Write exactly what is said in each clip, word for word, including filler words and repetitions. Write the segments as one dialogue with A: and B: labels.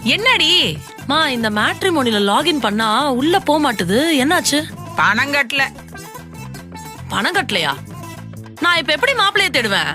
A: என்னடி மா இந்த மேட்ரிமோனில லாகின் பண்ணா உள்ள போக மாட்டுது, என்னாச்சு?
B: பணம் கட்டல.
A: பணம் கட்டலையா? நான் இப்ப எப்படி மாப்பிளைய தேடுவேன்?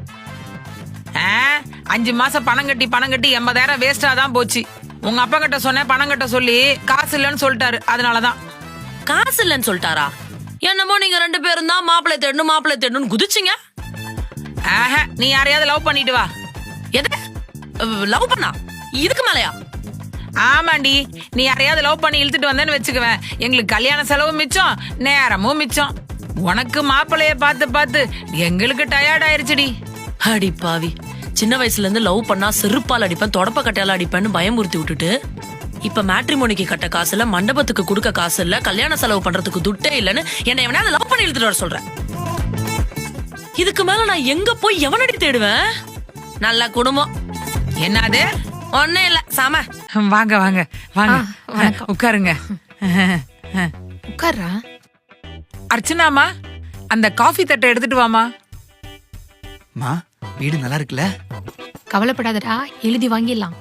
B: அஞ்சு மாசம் பணம் கட்டி பணம் கட்டி எண்பதாயிரம் வேஸ்டா தான் போச்சு. உங்க அப்பா கிட்ட சொன்ன பணம் கட்ட சொல்லி காசு இல்லன்னு சொல்லிட்டாரு, அதனாலதான்.
A: காசு இல்லன்னு சொல்லிட்டாரா? என்னமோ நீங்க ரெண்டு பேரும் தான் மாப்பிளைய தேடணும் மாப்பிளைய தேடணும்னு குதிச்சிங்க.
B: ஆஹா, நீ யாரையாவது லவ் பண்ணிட்டு வா.
A: எது லவ் பண்ணா? இதுக்கு மேலயா?
B: ஆமாண்டி, நீ யாரையாவது லவ் பண்ணி இழுத்துட்டு வந்தேன்னு வச்சுக்குவேன், எங்களுக்கு கல்யாண செலவு மிச்சம், நேரமும் மிச்சம். உனக்கு மாப்பிளைய பார்த்து பார்த்து எங்களுக்கு டயர்ட் ஆயிருச்சுடி.
A: அடி பாவி, சின்ன வயசுல இருந்து லவ் பண்ணா செருப்பால் அடிப்பேன் தொடப்ப கட்டையால அடிப்பேன்னு பயமுறுத்தி விட்டுட்டு இப்ப மேட்ரிமோனிக்கு கட்ட காசு இல்ல, மண்டபத்துக்கு கொடுக்க காசு இல்ல, கல்யாண செலவு பண்றதுக்கு துட்டே இல்லன்னு என்ன எவனா லவ் பண்ணி இழுத்துட்டு வர சொல்றேன். இதுக்கு மேல நான் எங்க போய் எவனடி தேடுவேன்? நல்ல குடும்பம்.
B: என்னது?
A: ஒன்னும் இல்ல சாம.
B: வாங்க வாங்க வாங்க, உட்காருங்க.
C: உட்கார்றா.
B: அர்ச்சனாமா, அந்த காஃபி தட்டை எடுத்துட்டு வாமா.
D: மா, வீடு நல்லா இருக்குல்ல?
C: கவலைப்படாதடா, எழுதி வாங்கிடலாம்.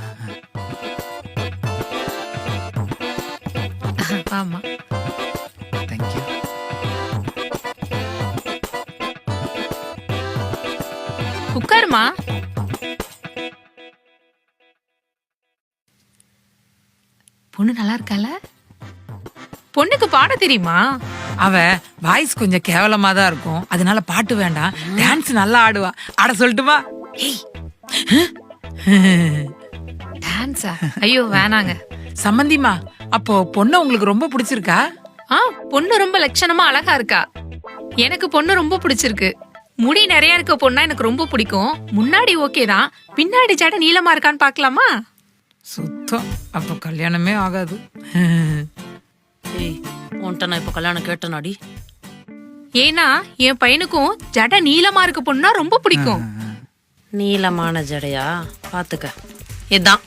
C: ஆமா,
D: தேங்க்யூ.
C: உட்காருமா. பொண்ணு நல்லா இருக்கால? பொண்ணுக்கு பாட தெரியுமா?
B: அவ வாய்ஸ் கொஞ்சம் கேவலமா தான் இருக்கும், அதனால பாட்டு வேண்டாம், டான்ஸ் நல்லா ஆடுவா. ஆட சொல்லட்டுமா?
C: டான்ஸா? ஐயோ வேணாங்க.
B: சம்மந்திமா, அப்போ பொண்ணு உங்களுக்கு ரொம்ப பிடிச்சிருக்கா?
C: ஆ, பொண்ணு ரொம்ப லட்சணமா அழகா இருக்கா. எனக்கு பொண்ணு ரொம்ப பிடிச்சிருக்கு. முடி நிறைய இருக்க பொண்ணா எனக்கு ரொம்ப பிடிக்கும். முன்னாடி ஓகே தான், பின்னாடி ஜட நீளமா இருக்கான்னு பாக்கலாமா?
B: சுத்தம், அப்போ கல்யாணமே ஆகாது.
A: ஏய், உன்கிட்ட நான் இப்ப கல்யாணம் கேட்டனாடி.
C: ஏன்னா என் பையனுக்கும் ஜட நீளமா இருக்க பொண்ணா ரொம்ப பிடிக்கும்.
A: நீளமான ஜடையா? பாத்துக்க, இதான்.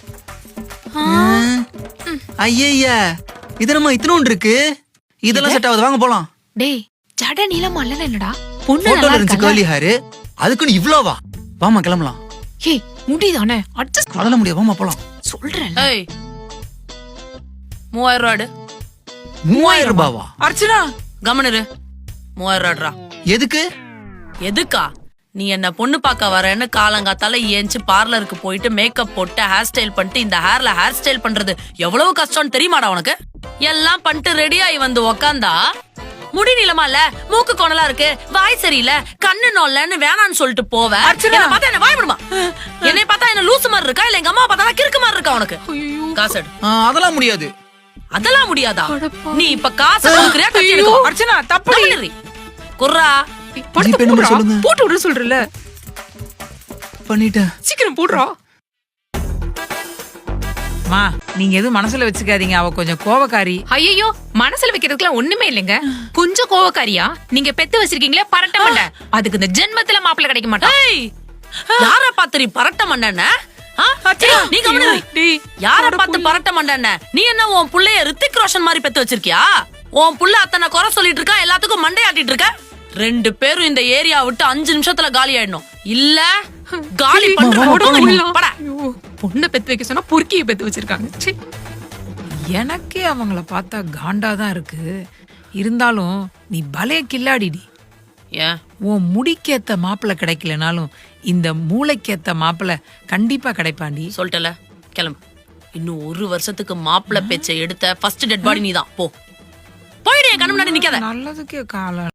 D: ஐயா, இது நம்ம இத்தனோண்டு இருக்கு, இதெல்லாம் செட் ஆகுது, வாங்க போலாம்.
C: டேய், ஜட நீளமா இல்ல என்னடா? பொண்ணு
D: போட்டோல
C: நல்லா
D: இருந்துச்சு
C: இருக்கா?
D: கேர்லி ஹேர், அதுக்குன்னு இவ்ளோவா? வாமா கிளம்பலாம்.
C: ஏய், முடிதானே அட்ஜஸ்ட்
D: அதெல்லாம் முடியாது, வாமா போலாம்.
C: சொல்றேன்.
A: ஏய், மூவாயிரம் ரூபாடு.
D: மூவாயிரம் ரூபாவா?
B: அர்ச்சனா,
A: கவனிரு. மூவாயிரம் ரூபாடா.
D: எதுக்கு?
A: எதுக்கா? நீ என்ன பொண்ணு பார்க்க வரேன்னு காலங்காத்தால ஏஞ்சி பார்லருக்கு போயிட்டு மேக்கப் போட்டு ஹேர் ஸ்டைல் பண்ணிட்டு இந்த ஹேர்ல ஹேர் ஸ்டைல் பண்றது எவ்வளவு கஷ்டம்னு தெரியுமாடா உனக்கு? எல்லாம் பண்ணிட்டு ரெடி ஆகி வந்து உக்காந்தா முடி நீளமா இல்ல, மூக்கு கோணலா இருக்கு, வாய் சரியில்லை, கண்ணு நோல்லன்னு வேணான்னு சொல்லிட்டு போவ. என்ன பார்த்தா என்ன வாய் விடுமா? என்னை பார்த்தா என்ன லூசு மாதிரி இருக்கா, இல்ல எங்க அம்மா பார்த்தா கிறுக்கு மாதிரி இருக்கா உனக்கு? காசு எடு.
D: ஆ, அதெல்லாம் முடியாது.
A: அதெல்லாம் முடியாதா? நீ இப்ப காசு கொடுக்கறியா கட்டி எடுக்கோ?
B: அர்ச்சனா தப்பு.
A: குர்ரா,
D: ஜிபே நம்பர் சொல்லுங்க.
C: போட்டு விட சொல்றல.
D: பண்ணிட்டேன்.
C: சீக்கிரம் போடுறா.
B: மா, நீங்க எதுவும் மனசுல வச்சுக்காதீங்க, அவ கொஞ்சம் கோவக்காரி.
C: ஐயோ, மனசுல வைக்கிறதுக்குலாம் ஒண்ணுமே இல்லைங்க. கொஞ்சம் கோவக்காரியா? நீங்க பெத்து வச்சிருக்கீங்களே பரட்ட மண்டை, அதுக்கு இந்த ஜென்மத்துல மாப்பிள்ளை கிடைக்க மாட்டான்.
A: யார பாத்து நீ பரட்ட மண்டன? நீ கவனிரு. யார பாத்து பரட்ட மண்டன? நீ என்ன உன் புள்ளைய ரித்திக் ரோஷன் மாதிரி பெத்து வச்சிருக்கியா? உன் புள்ள அத்தனை குறை சொல்லிட்டு இருக்கா, எல்லாத்துக்கும் மண்டை ஆட்டிட்டு இருக்க. ரெண்டு பேரும் இந்த ஏரியா விட்டு அஞ்சு நிமிஷத்துல காலி ஆயிடணும், இல்ல காலி பண்ற.
C: பொண்ணை பெத்து வைக்க சொன்னா பொறுக்கிய பெத்து வச்சிருக்காங்க.
B: எனக்கே அவங்கள பார்த்தா காண்டாதான் இருக்கு. இருந்தாலும் நீ பலே கில்லாடிடி.
A: ஏன்
B: உன் முடிக்கேத்த மாப்பிள்ள கிடைக்கலனாலும் இந்த மூளைக்கேத்த மாப்பிள்ள கண்டிப்பா கிடைப்பாண்டி.
A: சொல்லிட்டல, கிளம்பு. இன்னும் ஒரு வருஷத்துக்கு மாப்பிள்ள பேச்சை எடுத்த ஃபர்ஸ்ட் டெட் பாடி நீதான். போ, போயிடு, கண்ணு முன்னாடி நிக்காத.
B: நல்லதுக்கே காலம்.